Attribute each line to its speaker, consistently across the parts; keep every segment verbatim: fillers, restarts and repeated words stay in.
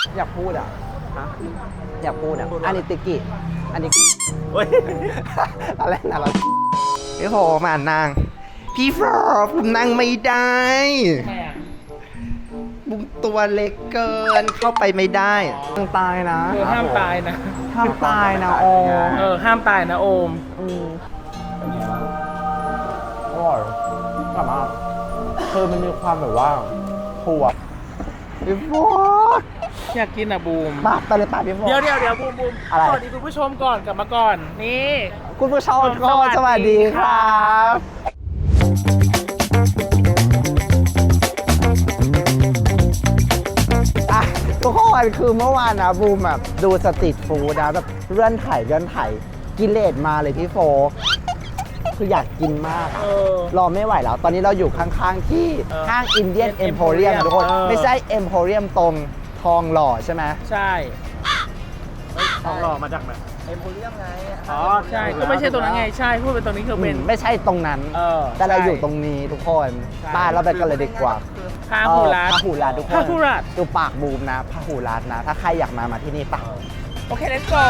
Speaker 1: อยากพูดอ่ะอยากพูดอ่ะอันนี้ติกิอันนี้อะไรนะเราพี่โฟมานั่งพี่โฟผมนั่งไม่ได้บุ้มตัวเล็กเกินเข้าไปไม่ได้ต้องตายนะ
Speaker 2: เออห้ามตายนะ
Speaker 1: ห้ามตายนะโอม
Speaker 2: เออห้ามตายนะโอม
Speaker 1: อร่อยกลับมาคือมันมีความแบบว่าถั่วพี่โฟ
Speaker 2: อยากกินอ่ะบูม
Speaker 1: ปากไปเลยปากพี่โฟ
Speaker 2: เดี๋ยวเดี๋ยวเดี๋ยวบูมบูมสวัสดีคุณผู้ชมก่อนกลับมาก่อนนี่
Speaker 1: คุณผู้ชมก็สวัสดีครับอ่ะทุกคนคือเมื่อวานนะบูมแบบดูสตรีทฟู้ดนะแบบเลื่อนไถ่เลื่อนไถ่กิเลสมาเลยพี่โฟคืออยากกินมากรอไม่ไหวแล้วตอนนี้เราอยู่ข้างๆที่ห้างอินเดียนเอ็มโพเรียมทุกคนไม่ใช่เอ็มโพเรียมตรงทองหล่อใช่ไหม
Speaker 2: ใช่
Speaker 1: ทองหล่อมาจากไหน
Speaker 2: เอ็มโพเรียมไงอ๋อใช่ก็ไม่ใช่ตรงนั้นไงใช่พูดเป็นตรงนี้คือเป็น
Speaker 1: ไม่ใช่ตรงนั้นแต่เราอยู่ตรงนี้ทุกคนป้าเราไปกันเลยดีกว่า
Speaker 2: พาหูรัด
Speaker 1: พาหูรัดทุกคน
Speaker 2: พาหูรัด
Speaker 1: ดูปากบูมนะพาหูรัดนะถ้าใครอยากมามาที่นี่ปะ
Speaker 2: โอเค let's go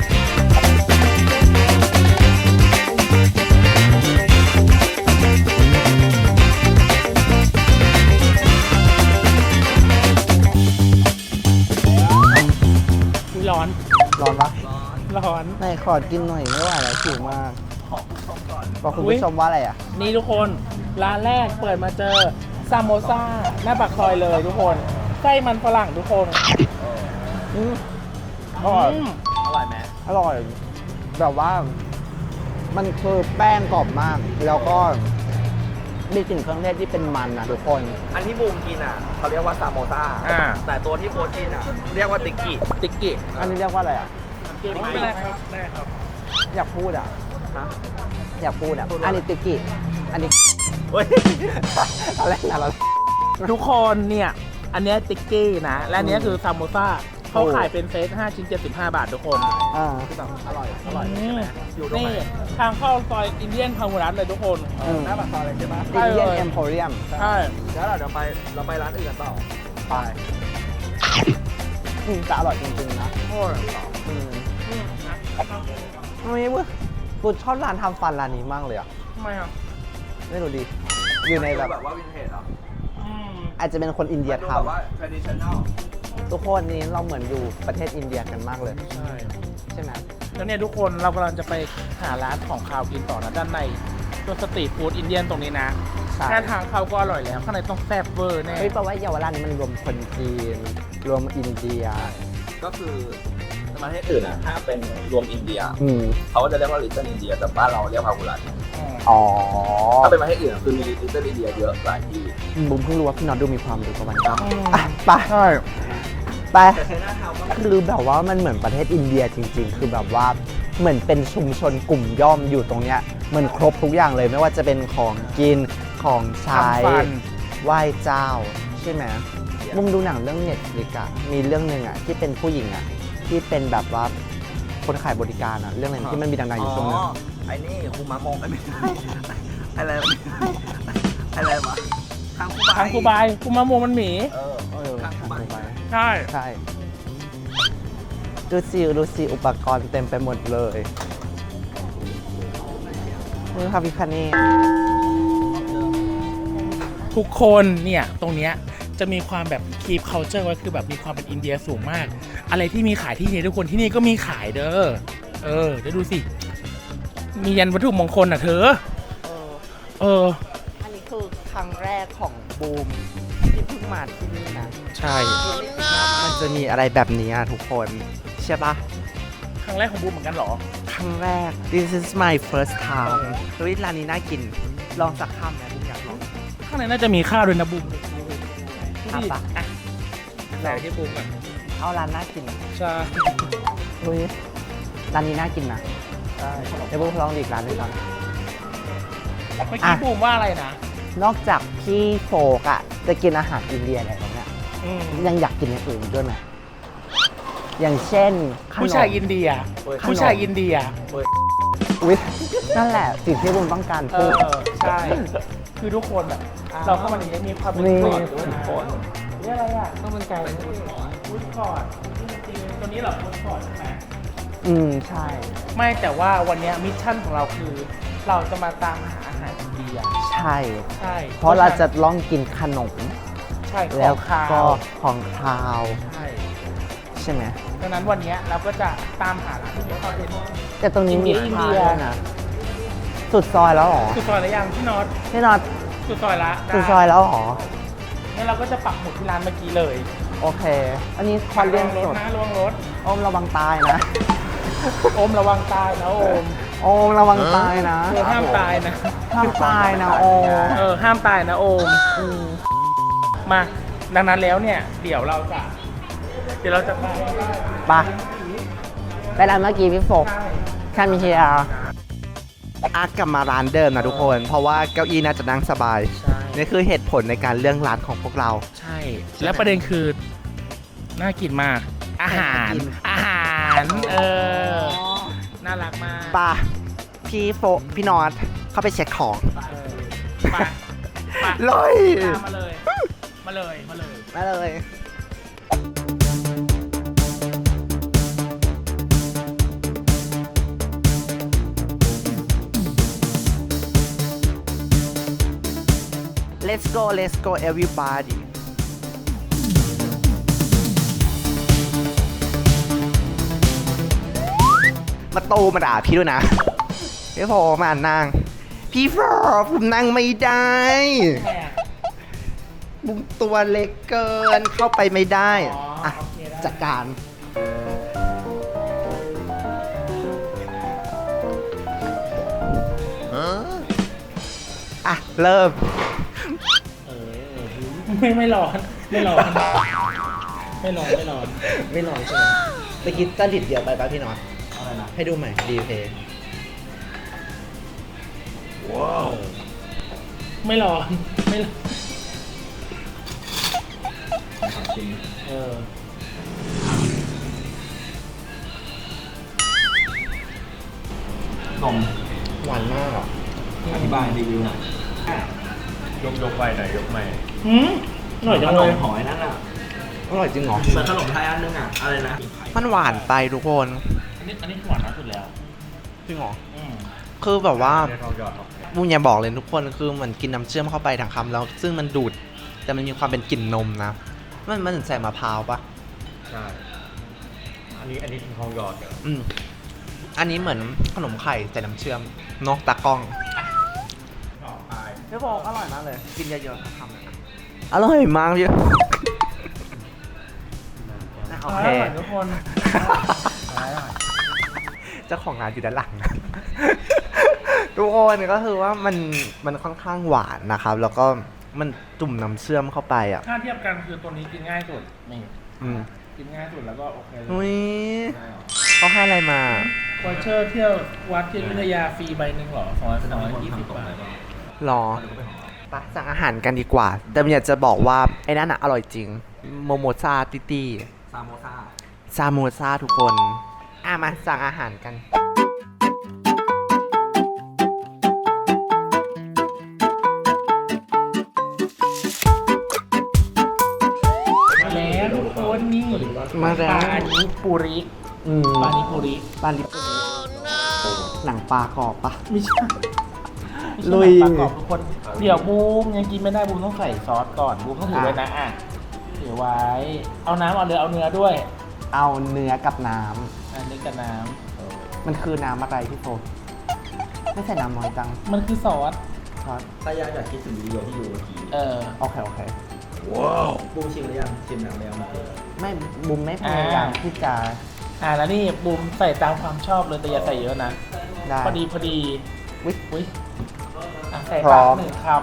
Speaker 2: ร้อน
Speaker 1: ร้อนปะ
Speaker 2: ร้อน
Speaker 1: ไหนขอกินหน่อยไม่ไหวแล้วหิวมากขอคุณผู้ชมก่อนบอกคุณผู้ชมว่าอะไรอ่ะ
Speaker 2: นี่ทุกคนร้านแรกเปิดมาเจอซามโมซ่าหน้าปากซอยเลยทุกคนไส้มันฝรั่งทุกคน
Speaker 1: อืมอร่อย
Speaker 2: อร่อยไหม
Speaker 1: อร่อยแบบว่ามันคือแป้งกรอบมากแล้วก็มีกลิ่นเครื่องเทศที่เป็นมันนะทุกคน
Speaker 3: อันที่บูมกินอ่ะเขาเรียกว่าซามโมซ่าแต่ตัวที่โบกินอ่ะเรียกว่าติกิ
Speaker 2: ติกิ
Speaker 1: อันนี้เรียกว่าอะไรอ่ะ
Speaker 2: ไม่ได้ครับได้ครับ
Speaker 1: อยากพูดอ่ะอยากพูดอ่ะอันนี้ติกิอันนี้อะไรนะเรา
Speaker 2: ทุกคนเนี่ยอันนี้ติกินะและอันนี้คือซามโมซ่าเขาขายเป็นเซตห้าชิ้นเจ็ดสิบห้าบาททุกคน
Speaker 1: อ่า
Speaker 3: คือแบบอร่อยอร่อย
Speaker 2: อยู่ตรงไหนทางเข้าซอยอินเดียนพาหุรัตเลยทุกคน
Speaker 3: หน้าปากซอยเลยใช่ไหม
Speaker 1: อินเดียนเอ็มโพเรียม
Speaker 2: ใช่
Speaker 3: แล้วเราเดี๋ยวไปเราไปร้านอื่นกันต่อไป
Speaker 1: จะอร่อยจริงๆนะ
Speaker 2: โอ้ย
Speaker 1: อืมไม่เว้ยกูชอบร้านทำฟันร้านนี้มากเลยอ่ะ
Speaker 2: ทำไมอ่ะ
Speaker 1: ไม่รู้ดิอยู่ในแบบ
Speaker 3: แบบว่าวินเทจเหรอ
Speaker 1: อาจจะเป็นคนอินเดียทำ
Speaker 3: แบบว่า traditional
Speaker 1: ทุกคนนี้เราเหมือนอยู่ประเทศอินเดียกันมากเลย
Speaker 2: ใช่
Speaker 1: ใช่ไหม
Speaker 2: แล้วเนี่ยทุกคนเรากำลังจะไปหาร้านของคาวกินต่อนะด้านในตัวสตรีทฟู้ดอินเดียนตรงนี้นะแค่ทางเขาก็อร่อยแล้วข้างในต้องแซ่บเวอร์แน่
Speaker 1: เฮ้ยแปลว่าเยาวราชนี้มันรวมคนจีนรวมอินเดีย
Speaker 3: ก็คือประเทศอื่นอ่ะถ้าเป็นรวมอินเดีย
Speaker 1: อืม
Speaker 3: เขาก็จะเรียกว่าลิตเติ้ลอินเดียแต่บ้านเราเรียกพาหุรัต
Speaker 1: อ๋อ
Speaker 3: ถ้าเป็นประเทศอื่นคือมีลิตเติ้ลอินเดียเยอะหลายที่
Speaker 1: บุ้มเพิ่งรู้ว่าพี่น็อตดูมีความรู้กับมันครับไปใช่ไปคือแบบว่ามันเหมือนประเทศอินเดียจริงๆคือแบบว่าเหมือนเป็นชุมชนกลุ่มย่อมอยู่ตรงเนี้ยเหมือนครบทุกอย่างเลยไม่ว่าจะเป็นของกินของใช้ไหว้เจ้าใช่ไหมบุ้มดูหนังเรื่องเน็ตฟลิกซ์อะมีเรื่องหนึ่งอะที่เป็นผู้หญิงอะที่เป็นแบบว่าคนขายบริการอะเรื่องอะไรที่มันมีดังๆอยู่ตรงนึง
Speaker 3: ไอ้นี่คุมามงไม่ใช่อะไรอะไรวะทางคูบาย
Speaker 2: ทางคูบายคุมามงมันหมี
Speaker 3: เออเออทางคูบาย
Speaker 2: ใช่
Speaker 1: ใช่ดูสิดูสิอุปกรณ์เต็มไปหมดเลยนี่ค่ะพี่คันนี่
Speaker 2: ทุกคนเนี่ยตรงเนี้ยจะมีความแบบคีปเคาน์เตอร์ไว้คือแบบมีความเป็นอินเดียสูงมากอะไรที่มีขายที่นี่ทุกคนที่นี่ก็มีขายเด้อเออเดี๋ยวดูสิมียันวัตถุมงคลอ่ะเธอเออ
Speaker 1: อันนี้คือครั้งแรกของบูมที่เพิ่งมาที่นี่นะ
Speaker 2: ใช่
Speaker 1: มันจะมีอะไรแบบนี้ทุกคนใช่ปะ
Speaker 2: ครั้งแรกของบูมเหมือนกันหรอ
Speaker 1: ครั้งแรก this is my first time เฮ้ยร้านนี้น่ากินลองสักคำไหมบูมอยากลอง
Speaker 2: ข้างในน่าจะมีข้าวด้วยนะบูม
Speaker 1: ครับปะ
Speaker 2: ใส่ที่บูมก่อน
Speaker 1: เอาร้านน่ากิน
Speaker 2: ใช่
Speaker 1: เฮ้ยร้านนี้น่ากินนะ
Speaker 2: ใช่
Speaker 1: เดี๋ยวบูมลองอีกร้านหนึ่งก่อน
Speaker 2: เมื่อกี้บูมว่าอะไรนะ
Speaker 1: นอกจากพี่โฟกอะจะกินอาหารอินเดียอะไรแบบเนี้ยยังอยากกินอย่างอื่นด้วยไหมอย่างเช่น
Speaker 2: ผู้ชายอินเดียผู้ชายอินเดีย
Speaker 1: อุ๊ยนั่นแหละสิ่งที่บูมต้องการพูด
Speaker 2: ใช่คือทุกคนแบบเราเข้ามาในนี้มีความเป็นตัวด้วยนะนี่อะไรอ่ะข้าวมันไก่ฟู้ดคอร์ทจริงๆตัวนี้เหรอฟู้ดคอร์ทใช่ไหม
Speaker 1: อืมใช่
Speaker 2: ไม่แต่ว่าวันเนี้ยมิชชั่นของเราคือ เราจะมาตามหาอาหารอินเดีย
Speaker 1: ใช่
Speaker 2: ใช่
Speaker 1: เพราะเราจะล่องกินขนม
Speaker 2: ใช่ข
Speaker 1: แล้
Speaker 2: อ
Speaker 1: ว
Speaker 2: งคาว
Speaker 1: ก็ของคาว
Speaker 2: ใช่
Speaker 1: ใช่ไหม
Speaker 2: ดังนั้นวันเนี้ยเราก็จะตามหาร้านที่เขาเป็น
Speaker 1: แต่ตรงนี้มี
Speaker 2: อินเดี
Speaker 1: คาย
Speaker 2: อินเดีย
Speaker 1: ด้วยนะสุดซอยแล้วเหรอ
Speaker 2: สุดซอยแล้วยังพี่น็อต
Speaker 1: พี่น็อต
Speaker 2: สุดซอยละ
Speaker 1: สุดซอยแล้วเหรอ
Speaker 2: งั้นเราก็จะปักหมุดที่ร้านเมื่อกี้เลย
Speaker 1: โอเค อันนี้คอนเรียน
Speaker 2: ร
Speaker 1: ส
Speaker 2: ถ
Speaker 1: ด
Speaker 2: นะระวังรถ
Speaker 1: โอมระวังตายนะ
Speaker 2: โอมระวังตายนะโอม
Speaker 1: โอมระวังตายนะ
Speaker 2: เออห้ามตายนะ
Speaker 1: ห้ามตายนะโอม
Speaker 2: เออห้ามตายนะโอม
Speaker 1: อืม
Speaker 2: มาดังนั้นแล้วเนี่ย เดี๋ยวเราจะ เดี๋ยวเราจะไป
Speaker 1: ไปไปร้านเมื่อกี้พี่โฟก
Speaker 2: ใช่
Speaker 1: คามิเฮียอากลับมาร้านเดิมนะทุกคน เพราะว่าเก้าอี้น่าจะนั่งสบาย
Speaker 2: ใช่
Speaker 1: นี่คือเหตุผลในการเลือกร้านของพวกเรา
Speaker 2: ใช่ แล้วประเด็นคือ น่ากินมาก อาหาร
Speaker 1: น่ากิน
Speaker 2: อาหาร เออ น่ารักมาก
Speaker 1: ป่ะพี่โฟกพี่นอตเข้าไปเช็คของ
Speaker 2: เออไปไป
Speaker 1: เลย
Speaker 2: ตามมาเลย มาเลย มาเลย
Speaker 1: มาเลย Let's go let's go everybody มาตูมาด่าพี่ด้วยนะ พี่พอมานั่ง พี่ฟอผมนั่งไม่ได้บุ้มตัวเล็กเกินเข้าไปไม่ได้
Speaker 2: อ๋ออ่
Speaker 1: อ่ะ
Speaker 2: โอเคได้
Speaker 1: จัดการ อ่ะ เริ่ม
Speaker 2: เออไม่ไม่ร้อน ไม่ร้อน ไม่ร้อน ไม่ร้อน
Speaker 1: ไม่นอนใช่ไหมเมื่อกี้จะดิดเดียวไปป่ะพี่นอน
Speaker 3: อะไรนะ
Speaker 1: ให้ดูใหม่ดีเพย์
Speaker 3: ว้าว
Speaker 2: ไม่ร้อน ไม่ร้อน
Speaker 3: จริง
Speaker 2: เออ
Speaker 3: นม
Speaker 1: หวานมากอ่ะ
Speaker 3: อธิบายรีวิวหน่อย
Speaker 4: ยกยกไปหน่อยยกใหม่
Speaker 2: หืมอร่อยจัง
Speaker 3: ข
Speaker 2: เล
Speaker 3: น
Speaker 2: ย
Speaker 3: มหอยนั่นอ่ะ
Speaker 1: อร่อยจริงเหรอ
Speaker 3: เหมือนขนมไทยอันนึงอ่ะ อะไรนะ
Speaker 1: มันหวานไปทุกคน
Speaker 2: อันนี้อันนี้หวานมากสุดแล้ว
Speaker 1: จริงเหรอ
Speaker 2: อืม
Speaker 1: คือแบบว่า
Speaker 4: เดี๋ยวทองหยอดออก
Speaker 1: บุญยาบอกเลยทุกคนคือเหมือนกินน้ำเชื่อมเข้าไปทั้งคำแล้ว ซึ่งมันดูด แต่มันมีความเป็นกลิ่นนมนะ มันมันถึงใส่มะพร้าวปะ
Speaker 4: ใช่ อันนี้อันนี้ทองหยอดเหรอ
Speaker 1: อืมอันนี้เหมือนขนมไข่ใส่น้ำเชื่อมเนกตากล้อง
Speaker 4: ต่อไป
Speaker 1: พี่บอกอร่อยมากเลย กินเยอะๆทั้งคำเลยนะอร่อยมากพี่โอเค
Speaker 2: อร่อยทุกคนอร่อย
Speaker 1: เจ้าของร้านอยู่ด้านหลังนะ ทุกคนก็คือว่ามันมันค่อนข้างหวานนะครับ แล้วก็มันจุ่มน้ำเชื่อมเข้าไปอ่ะ
Speaker 2: ถ้าเทียบกันคือตัวนี้กินง่ายสุด นี่
Speaker 1: อืม
Speaker 2: กินง่ายสุดแล้วก็โอเคเลย
Speaker 1: อุ้ยเขาให้อะไรมา
Speaker 2: วอเชอร์เที่ยววัดที่อยุธยาฟรีใบหนึ่งเหรอสองร้อยสองร้อยยี่สิบบาท
Speaker 1: รอไปสั่งอาหารกันดีกว่า แต่อยากจะบอกว่า ไอ้นั่นอ่ะ อร่อยจริง โมโมซาติตี้
Speaker 3: ซาโมซา
Speaker 1: ซาโมซาทุกคน อ่ะ มาสั่งอาหารกัน
Speaker 2: แล้วทุกคนนี่
Speaker 1: มาแล้ว
Speaker 2: ปลานิปุริ
Speaker 1: อืม
Speaker 2: ปลานิปุริ
Speaker 1: ปลาลิปหนังปลากรอบปะ
Speaker 2: ไม่ใช่
Speaker 1: ลุ
Speaker 2: ลุ
Speaker 1: ย
Speaker 2: ยประกอบทุกคน เดี๋ยวบูมยังกินไม่ได้บูมต้องใส่ซอสก่อนบูมต้องถือไว้นะอ่ะถือไว้ เอาน้ำเอาเนื้อเอาเนื้อด้วย
Speaker 1: เอาเนื้อกับน้
Speaker 2: อันนี้กับน้
Speaker 1: ำ มันคือน้ำอะไรพี่โฟไม่ใส่น้ำน้อยจัง
Speaker 2: ำมันคือซอส
Speaker 1: ครับ
Speaker 3: ถ้ายากอยากคิดถึงวิดีโอที่ดูเมื่อกี้
Speaker 2: เออ
Speaker 1: โอเค โอเค
Speaker 3: บูมชิมหรือยังชิมแล้วแล้วมา
Speaker 1: ไม่บุมไม่พยายาม
Speaker 2: อ่า
Speaker 1: ที่จะ
Speaker 2: อ่าแล้วนี่บูมใส่ตามความชอบเลยแต่อย่าใส่เยอะนะ
Speaker 1: ได้
Speaker 2: พอดีพอดี
Speaker 1: วิ
Speaker 2: อุ้ยอ่ะใส่
Speaker 1: พร้
Speaker 2: ปา
Speaker 1: อก ม
Speaker 2: หนึ่งค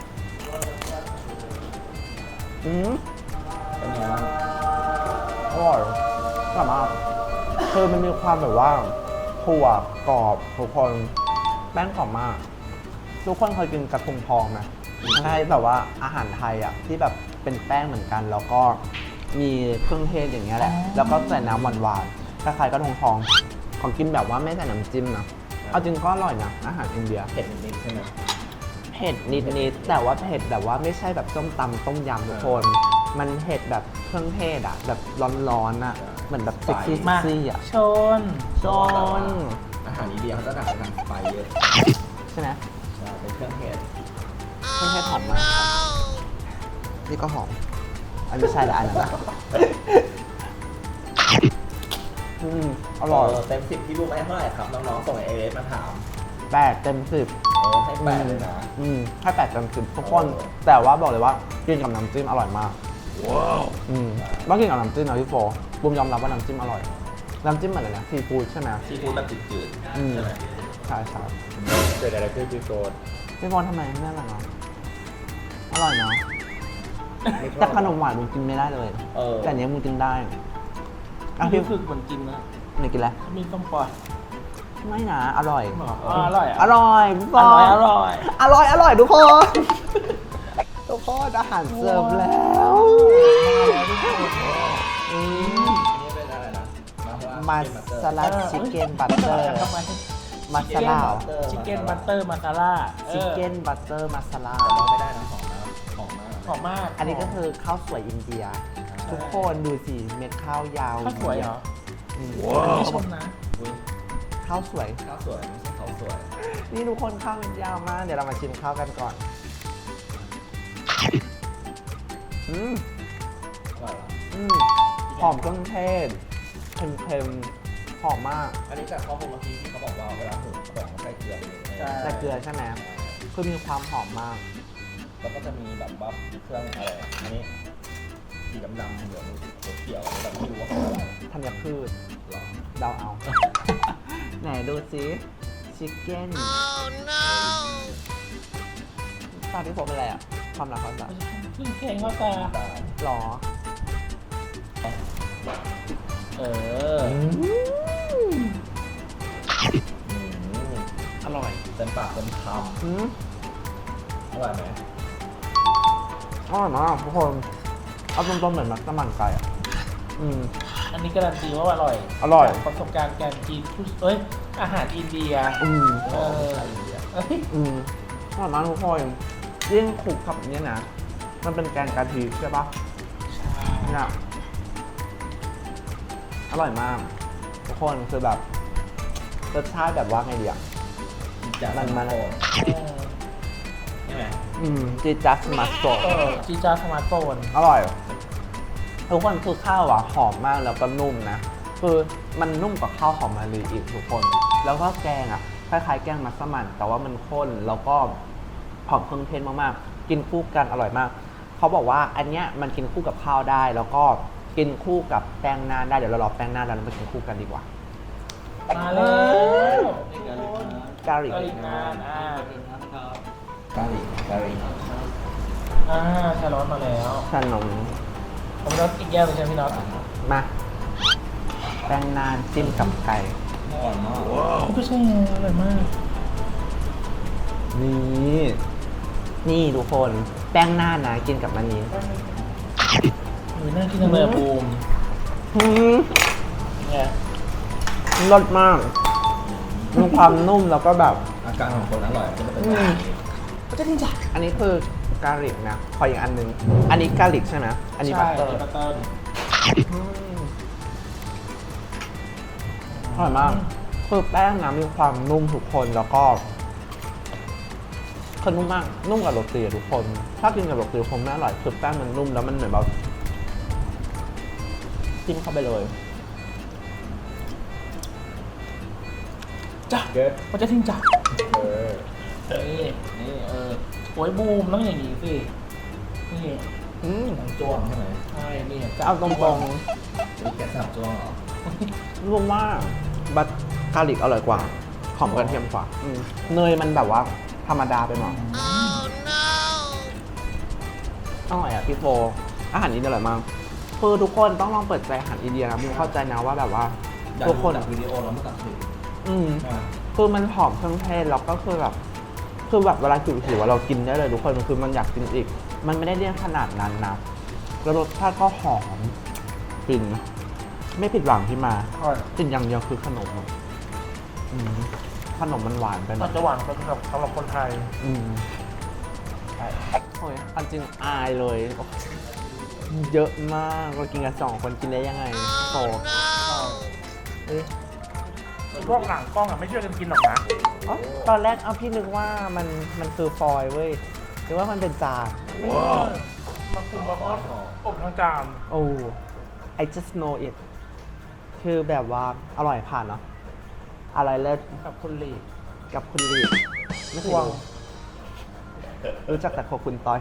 Speaker 1: อืม
Speaker 2: ำเป็นไงบ้าง
Speaker 1: อร่อยอร่อยมากคือมันมีความแบบว่าถั่วกรอบทุกคนแป้งกรอบมาก ทุกคนเคยกินกระทุงทองไหมใช่แบบว่าอาหารไทยอ่ะที่แบบเป็นแป้งเหมือนกัน แล้วก็มีเครื่องเทศอย่างเงี้ยแหละ แล้วก็ใส่น้ำหวานๆคล้ายๆกระทงทอง ของกินแบบว่าไม่ใส่น้ำจิ้มนะ เอาจริงก็อร่อยนะ อาหารอินเดีย
Speaker 3: เผ็ดนิดๆใช่ไหม
Speaker 1: เผ็ดนิดๆแต่ว่าเผ็ดแบบว่าไม่ใช่แบบส้มตำต้มยำทุกคนมันเผ็ดแบบเครื่องเทศอ่ะ แบบร้อนๆอ่ะ เหมือนแบบเซ็กซี่
Speaker 2: มา
Speaker 1: ซี่อ่ะ
Speaker 2: ชน
Speaker 1: จน
Speaker 3: อาหารอินเดียเขาจะดักทางไฟเยอะ
Speaker 1: ใช่ไหม
Speaker 3: ใช่เป็นเครื่องเทศ
Speaker 1: เครื่องเทศหอมมากครับนี่ก็หอม อันไม่ใช่ละอันนั้นอะอืมอร่อย
Speaker 3: เเต็มสิบที่รูปให้เท่าไหร่ครับ น้องๆส่งไอเอสมาถาม
Speaker 1: แปดเต็มสิบ
Speaker 3: เออให้แปดเลยนะ
Speaker 1: อืมให้แปดเต็มสิบทุกคน
Speaker 3: เออ
Speaker 1: แต่ว่าบอกเลยว่ากินกับน้ำจิ้มอร่อยมาก ว้าว อืมต้องกินกับน้ำจิ้มนะพี่โฟบุมยอมรับว่าน้ำจิ้มอร่อย น้ำจิ้มเหมือนอะไรนะซีฟู้ดใช่ไหม
Speaker 3: ซีฟู้ดแบบจืด
Speaker 1: อืม
Speaker 3: ๆใช่ไหม
Speaker 1: ใช่ใช่
Speaker 4: เกิดอะไรขึ้นพี่โกด
Speaker 1: พี่โฟทำไมไม่อร่อยเนาะอร่อยเนาะแต่ขนมหวานมึงกินไม่ได้เลย
Speaker 3: เออ
Speaker 1: แต่อันเนี้ยมึงกินได้อ่ะ
Speaker 2: พี่
Speaker 1: พี่
Speaker 2: ฝึกเหมือนกินนะ
Speaker 1: ไหนกินแล้ว
Speaker 2: เขามีส้มปล่อย
Speaker 1: ไม่นะอร่อย
Speaker 2: อ๋ออร่อย
Speaker 1: อร่อยพี่โฟ
Speaker 2: อร่อยอร่อย
Speaker 1: อร่อยอร่อยทุกคน ทุกคนอาหารเสิร์ฟแล้วอืม
Speaker 3: อันนี้เป็นอะไรนะ
Speaker 1: มาซาลาชิคเก้นบัตเตอร์ มาซาลา
Speaker 2: ชิคเก้นบัตเตอร์มาซาล่า
Speaker 1: ชิคเก้นบัตเตอร์มาซาลา
Speaker 3: แต่ว่าไม่ได้นะหอมนะหอมมาก
Speaker 2: หอมมาก
Speaker 1: อันนี้ก็คือข้าวสวยอินเดีย ทุกคนดูสิเม็ดข้าวยาว
Speaker 2: ข้าวสวยเหรอ
Speaker 1: อืม
Speaker 2: ไม่ชมนะ
Speaker 3: อุ๊ย
Speaker 1: ข้าวสวย
Speaker 3: ข้าวสวยไม่ใช่ข้าวสวย
Speaker 1: นี่ทุกคนข้าวมันยาวมาก เดี๋ยวเรามาชิมข้าวกันก่อน อืม
Speaker 3: อร่อยเหรอ
Speaker 1: อืมหอมเครื่องเทศเค็มๆหอมมาก
Speaker 3: อันนี้จากข้อมูลเมื่อกี้ที่เขาบอกว่าเวลาหุงเขาบอกเขาใส่เกลือไปเลย
Speaker 2: ใช่
Speaker 1: แต่เกลือใช่ไหมคือมีความหอมมาก
Speaker 3: แล้วก็จะมีแบบว่าเครื่องอะไรอันนี้สีดำๆเหลืองเขียวๆแบบไม่รู้ว่าเขาอะไร
Speaker 1: ธัญพืช
Speaker 3: หรอ
Speaker 1: เดาเอา ไหนดูสิชิคเก้นตาพี่โฟเป็นอะไรอ่ะ ความรักความรัก
Speaker 2: ขึ้นเพลงเข้าตา
Speaker 1: หรอ
Speaker 2: เออ อร่อย
Speaker 3: เต็มปากเต็มค
Speaker 1: อืม
Speaker 3: ำอร่อยไหม
Speaker 1: อร่อยมากทุกคน เอาตรงๆเหมือนมัสมั่นไก่อ่ะ อืม
Speaker 2: อันนี้การันตีว่าอร่อย
Speaker 1: อร่อย
Speaker 2: จากประสบการณ์การกินทุกเอ้ย อาหารอินเดีย
Speaker 1: อืม
Speaker 2: เออเอ้ย
Speaker 1: อืมอร่อยมากทุกคนยิ่งคลุกกับเนี้ยนะ มันเป็นแกงกะทิใช่ปะเนี่ยอร่อยมาก ทุกคนคือแบบรสชาติแบบว่าไงดีอ่ะ
Speaker 3: จาก
Speaker 1: มันมัน
Speaker 3: โอ้
Speaker 2: เออ
Speaker 3: ใช่ไหม
Speaker 1: อืมจีจัสมาโซ
Speaker 2: เออจีจาสมาร์ทโฟน
Speaker 1: อร่อย ทุกคนคือข้าวอ่ะหอมมากแล้วก็นุ่มนะ คือมันนุ่มกว่าข้าวหอมมะลิอีกทุกคน แล้วก็แกงอ่ะคล้ายๆแกงมัสมั่นแต่ว่ามันข้นแล้วก็หอมเครื่องเทศมากๆ กินคู่กันอร่อยมาก เขาบอกว่าอันเนี้ยมันกินคู่กับข้าวได้ แล้วก็กินคู่กับแป้งนานได้ เดี๋ยวเรารอแป้งนานแล้วเรามากินคู่กันดีกว่า
Speaker 2: มาแล้ว
Speaker 1: กาลิก
Speaker 2: กาลิกนานอ่าก
Speaker 3: าลิกกาลิก
Speaker 2: อ่าชาร้อนมาแล้ว
Speaker 1: ขนม
Speaker 2: ผมน็อตอีกแก้วเลยใช่ไหมพี่น็อต
Speaker 1: มา แป้งนานจิ้มกับไก่
Speaker 3: อร่อยมาก
Speaker 2: ก็ใช่ไงอร่อยมาก
Speaker 1: นี่ นี่ทุกคนแป้งนานนะกินกับมันนี้
Speaker 2: อุ้ยน่ากินจังเลยอะบูม
Speaker 1: อืม
Speaker 2: เนี่ย
Speaker 1: รสมาก มีความนุ่มแล้วก็แบบ
Speaker 3: อาการของคนอร่อยจะเป็น
Speaker 1: อื
Speaker 3: แบบ
Speaker 1: ม
Speaker 3: นี้
Speaker 2: ก็จะดีจ้ะ
Speaker 1: อันนี้คือกาลิกนะขออีกอันหนึง อันนี้กาลิกใช่ไหมอันนี้บัตเตอร์
Speaker 2: ใช่บัตเตอร์
Speaker 1: อืมอร่อยมาก คือแป้งนะมีความนุ่มทุกคนแล้วก็คือนุ่มมาก นุ่มกับโรตีอะทุกคน ถ้ากินกับโรตีคงไม่อร่อยคือแป้งมันนุ่มแล้วมันเหมือนแบบจิ้มเข้าไปเลย
Speaker 2: จ้ะ
Speaker 3: เกิด
Speaker 2: มันจะทิ้งจ้ะ
Speaker 3: เออ
Speaker 2: นี่นี่เออโอ้ยบูมต้องอย่างนี้สิ นี่
Speaker 1: อืม
Speaker 3: ทั้งจ้วงใช่ไหม
Speaker 2: ใช่นี่
Speaker 1: จะเอาตรง
Speaker 3: มีแกะสลับจ้วงเหรอ
Speaker 1: ๆรู้ว่าบัตกาลิกอร่อยกว่าหอมกระเทียมกว่าอืมเนยมันแบบว่าธรรมดาไปหน่อยอร่อยอ่ะพี่โฟอาหารอินเดียอร่อยมากคือทุกคนต้องลองเปิดใจอาหารอินเดียนะมึงเข้าใจนะว่าแบบว่า
Speaker 3: อยาก
Speaker 1: ทุก
Speaker 3: ดู
Speaker 1: คน
Speaker 3: จากวิดีโอเราไม่ตัดสิน
Speaker 1: อืม
Speaker 3: ใช่ไหม
Speaker 1: คือมันหอมเครื่องเทศแล้วก็คือแบบคือแบบเวลาหิวหิวๆเรากินได้เลยทุกคนมันคือมันอยากกินอีก มันไม่ได้เลี่ยนขนาดนั้นนะแล้วรสชาติก็หอมฟินไม่ผิดหวังที่มา
Speaker 2: อร่อย
Speaker 1: สิ่งอย่างเดียวคือขนมอะอืมขนมมันหวานไปหน่
Speaker 2: อา
Speaker 1: อ
Speaker 2: จ
Speaker 1: ย
Speaker 2: จะหวานสำหรับสำหรับคนไทย
Speaker 1: อืมโอ้ยอันจริงอายเลยเยอะมากเรากินกันสองคนกินได้ยังไงโอ้เอ๊ะ
Speaker 2: พวกหลังกล้องอ่ะไม่ช่วยกันกินหรอกนะ
Speaker 1: อ๋อตอนแรกเอาพี่นึกว่ามันมันคือฟอยล์เว้ยนึกว่ามันเป็นจาน
Speaker 2: มาคุมมาทอดอบทั้งจาน
Speaker 1: โอ้ I just know it คือแบบว่าอร่อยผ่านเนาะอะไรเลิศ
Speaker 2: กับคุณลี
Speaker 1: กับคุณลีดไม่เคยรู้รู้จักแต่โคคุณต้อย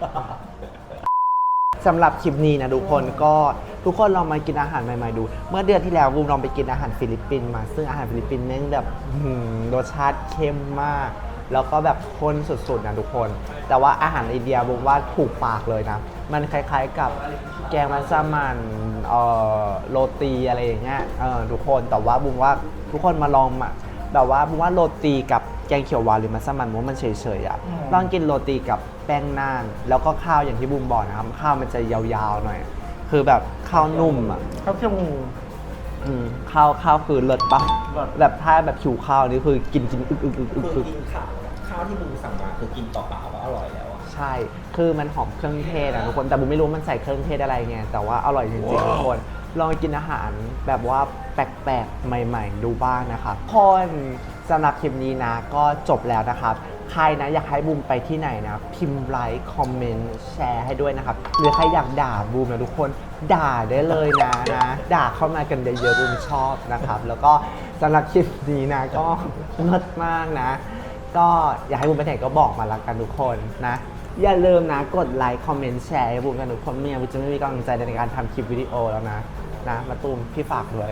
Speaker 1: สำหรับคลิปนี้นะทุกคนก็ทุกคนลองมากินอาหารใหม่ๆดู เมื่อเดือนที่แล้วบูมลองไปกินอาหารฟิลิปปินส์มา ซึ่งอาหารฟิลิปปินส์แม่งแบบหืมรสชาติเข้มมาก แล้วก็แบบข้นสุดๆนะทุกคน แต่ว่าอาหารอินเดียบูมว่าถูกปากเลยนะ มันคล้ายๆกับแกงมัสมั่นเอ่อโรตีอะไรอย่างเงี้ยเออทุกคนแต่ว่าบูมว่าทุกคนมาลองมาแบบว่าบูมว่าโรตีกับแกงเขียวหวานหรือมัสมั่นบูมว่ามันเฉยๆอ่ะลองกินโรตีกับแป้งน่าน แล้วก็ข้าวอย่างที่บูมบอกนะครับข้าวมันจะยาวๆหน่อย คือแบบข้าวนุ่มอ่ะ
Speaker 2: ข้าวเคี่ยวงู
Speaker 1: อืมข้าวข้าวคือเลิศปะ
Speaker 2: เลิศ
Speaker 1: แบบถ้าแบบผิวข้าวนี่คือกินกินอึกอึกอึกอึก
Speaker 3: คือ
Speaker 1: อึก
Speaker 3: กินข้าวข้าวที่มึงสั่งมาคือกินเปล่าๆก็อร่อยแล้วอะ
Speaker 1: ใช่ คือมันหอมเครื่องเทศอะทุกคน แต่บูมไม่รู้มันใส่เครื่องเทศอะไรไง แต่ว่าอร่อยจริงๆทุกคน ลองกินอาหารแบบว่าแปลกๆ ใหม่ๆ ดูบ้างนะครับคนสำหรับคลิปนี้นะ ก็จบแล้วนะครับ ใครนะอยากให้บูมไปที่ไหนนะ พิมพ์ไลค์คอมเมนต์แชร์ให้ด้วยนะครับ หรือใครอยากด่าบูมนะทุกคนด่าได้เลยนะนะ ด่าเข้ามากันเยอะๆบูมชอบนะครับ แล้วก็สำหรับคลิปนี้นะก็เลิศมากนะ ก็อยากให้บูมไปไหนก็บอกมาละกันทุกคนนะ อย่าลืมนะกดไลค์คอมเมนต์แชร์ให้บูมกันทุกคนไม่งั้นบูมจะไม่มีกำลังใจในการทำคลิปวิดีโอแล้วนะนะมาตูมพี่ฝากด้วย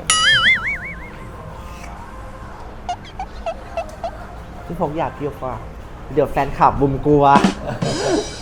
Speaker 1: พี่พกอยากพี่ฝากเดี๋ยวแฟนคลับบูมกลัว